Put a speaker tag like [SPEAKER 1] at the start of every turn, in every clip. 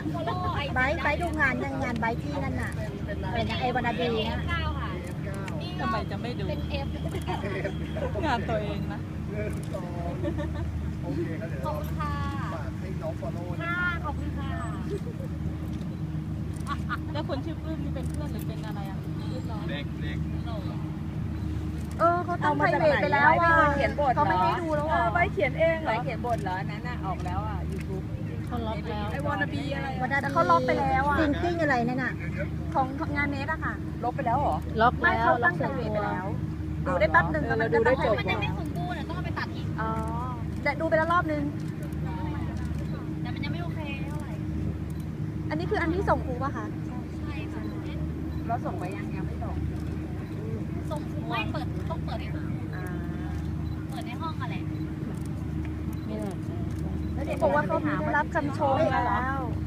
[SPEAKER 1] ไบดูงานยังงานไบที่นั่นน่ะอะไรนะไอวานาดีนะ
[SPEAKER 2] ทำไมจะไม่ดู
[SPEAKER 3] เป็นเอฟ
[SPEAKER 2] งานตัวเองนะ
[SPEAKER 4] โอเคครับเดี๋ยว
[SPEAKER 3] ขอบคุณค่ะ
[SPEAKER 4] ฝากให้น้องฟอลโล่นะ
[SPEAKER 3] ค่ะขอบคุณค่ะ
[SPEAKER 2] แล้วคนชื่อปื้มนี่เป็นเพื่อนหรือเป็นอะไรอ่ะรุ่นน้อง
[SPEAKER 4] เด็ก
[SPEAKER 1] เขาตั้งไพรเวทไปแล้วอ่ะ
[SPEAKER 5] เขียนบท
[SPEAKER 1] เขาไม่ให้ดูแล้วอ่ะ
[SPEAKER 5] ใบเขียนเองเหรอใบเขียนบทเหรอนั้นน่ะออกแล้วอ่ะยูทูบ
[SPEAKER 2] เขาล็อกแล้ว
[SPEAKER 5] ไอวอนาบีอะไร
[SPEAKER 1] วันนั้นเขาล็อกไปแล้วอ่ะซิงกิ้งอะไรนั่นน่ะของงานเนสอะค่ะ
[SPEAKER 5] ลบไปแล้วเหรอ
[SPEAKER 2] ล็อก
[SPEAKER 1] ไม่
[SPEAKER 2] แล้ว
[SPEAKER 1] เขา
[SPEAKER 2] ล็อ
[SPEAKER 1] ตั้
[SPEAKER 2] ก
[SPEAKER 1] งไพ
[SPEAKER 2] เส
[SPEAKER 1] ร
[SPEAKER 2] ร็จ
[SPEAKER 1] เวท
[SPEAKER 2] ตัว
[SPEAKER 1] ไปแล้ว ดูได้แป๊บนึง
[SPEAKER 5] เราดูได้จบ
[SPEAKER 3] มันยังไม่สมบูรณ์ต้องเอาไปตัดอีก
[SPEAKER 1] อ๋อแต่ดูไปแล้วรอบนึง
[SPEAKER 3] แต่มันยังไม่โอเคเท่าไหร่
[SPEAKER 1] อันนี้คืออันที่ส่งครูป่ะคะ
[SPEAKER 3] ใช่ค่ะ
[SPEAKER 5] เราส่งไปยังไม่ส่ง
[SPEAKER 3] ส่งไม่เปิดต้องเปิดในห้อง
[SPEAKER 5] อ่า
[SPEAKER 3] เปิดในห้องอะไร
[SPEAKER 2] นี่แหละ
[SPEAKER 1] แล้วเด็กบอกว่าเขาได้รับคำชมแล้ว
[SPEAKER 3] ไม่ใช่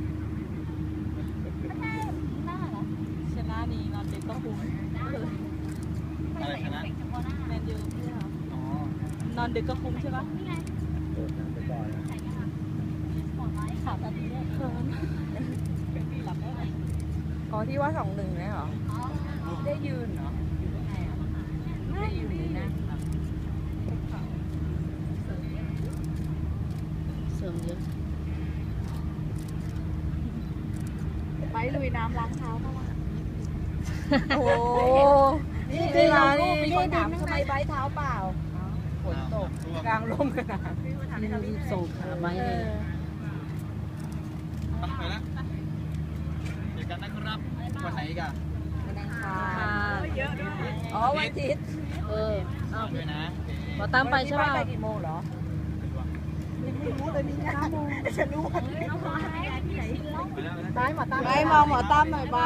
[SPEAKER 3] หน้าเหรอ
[SPEAKER 2] ชนะนี่นอนเด็กก็คุ้ม
[SPEAKER 3] ไม่ใส่เอฟเฟกต์เฉพาะหน้า
[SPEAKER 2] แมนยูใช่ไหม
[SPEAKER 4] อ๋อน
[SPEAKER 2] อนดึกก็คุ้มใช่ปะ
[SPEAKER 3] นี่ไง
[SPEAKER 4] เปิดหนังไปก่อนนะ
[SPEAKER 3] ใส่กันค่ะปลอดไว้
[SPEAKER 2] ขาดตาดีด้วยเคินเป็นพี่หลับได้ไหม
[SPEAKER 5] อ๋อที่ว่า2-1เนี่ยเหรอ
[SPEAKER 3] อ๋อ
[SPEAKER 5] ได้ยืนเหรอได้ยืนหรือนั่ง
[SPEAKER 2] เสริมเยอะ
[SPEAKER 5] ไปลุยน้ำล้างเท้าเข้ามา
[SPEAKER 1] โอ้
[SPEAKER 5] นี่จริงเหรอนี่มีคนถามทำไมใบเท้าเปล่าฝนตกกลางลมขนาด
[SPEAKER 2] นี่ส่งขาไปเลย
[SPEAKER 4] ไปแล้วเจอกันนะครับ วันไหนกัน
[SPEAKER 5] วันอังคารอ๋อวันอาทิตย์
[SPEAKER 2] เออเอา
[SPEAKER 4] ด้วยนะ
[SPEAKER 2] พอตามไปใช่ป่ะ
[SPEAKER 5] ไปกี่โมงเหรอ
[SPEAKER 1] ไม่รู้เลยนี่นะฉันรู้ว่า
[SPEAKER 3] เอาไว้ที่ไหนแล้ว
[SPEAKER 4] ไปแล้ว
[SPEAKER 1] ได้หมอตา
[SPEAKER 5] ใบมองหมอตั้มหน่อยใบ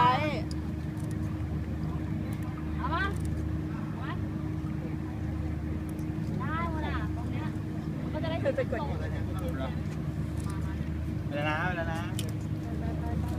[SPEAKER 3] เอาปะได้หมดอ่ะตรงเนี้ยก็จะได้ถึงส่ง
[SPEAKER 4] ไปแล้วนะ